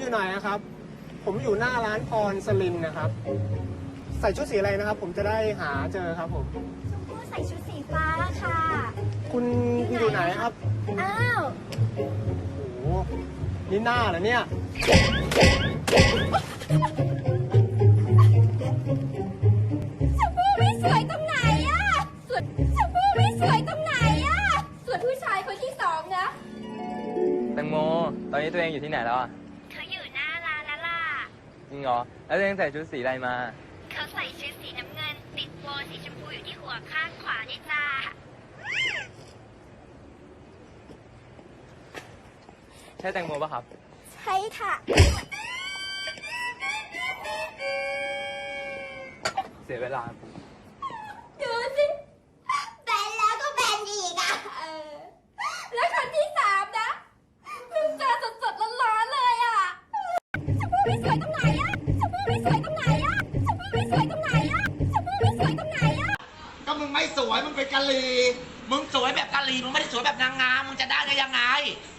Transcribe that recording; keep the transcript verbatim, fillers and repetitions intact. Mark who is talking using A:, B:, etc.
A: อยู่ไหนนะครับ ผมอยู่หน้าร้านพรสลินนะครับ ใส่ชุดสีอะไรนะครับ ผมจะได้หาเจอครับผม
B: ชมพู่ใส่ชุดสีฟ้าค่ะ
A: คุณอยู่ไหนครับ
B: อ้าว
A: โอ้โหนี่หน้าเหรอเนี่ย
B: ชมพู่ไม่สวยตรงไหนอะส่วนชมพู่ไม่สวยตรงไหนอะส่วนผู้ชายคนที่สองนะ
C: แตงโม ตอนนี้ตัวเองอยู่ที่ไหนแล้วอ่ะ
B: เขาอยู่หน้าร้านแล้วล่ะ
C: จริงเหรอ แล้วตัวเองใส่ชุดสีอะไรมา
B: เขาใส่ชุดสีน้ำเงิน ติดโบว์สีชมพูอยู่ที่หัวข้างขวานี่จ้า
C: ใช่แตงโมป่ะครับ
B: ใช่ค่ะ
C: เสียเวลา
B: ดูสิแบนแล้วก็แบนอีกอ่ะเออแล้วคนที่สามนะเพิ่งเจอสดๆร้อนๆเลยอ่ะชมพู่ไม่สวยตรงไหนอ่ะชมพู่ไม่สวยตรงไหนอ่ะชมพู่ไม่สวยตรงไหนอ่ะชมพู่ไม่สวยตรงไหนอ่ะ
D: ก็มึงไม่สวย มึงเป็นกะลี มึงสวยแบบกะลี มึงไม่ได้สวยแบบนางงาม มึงจะได้ได้ยังไง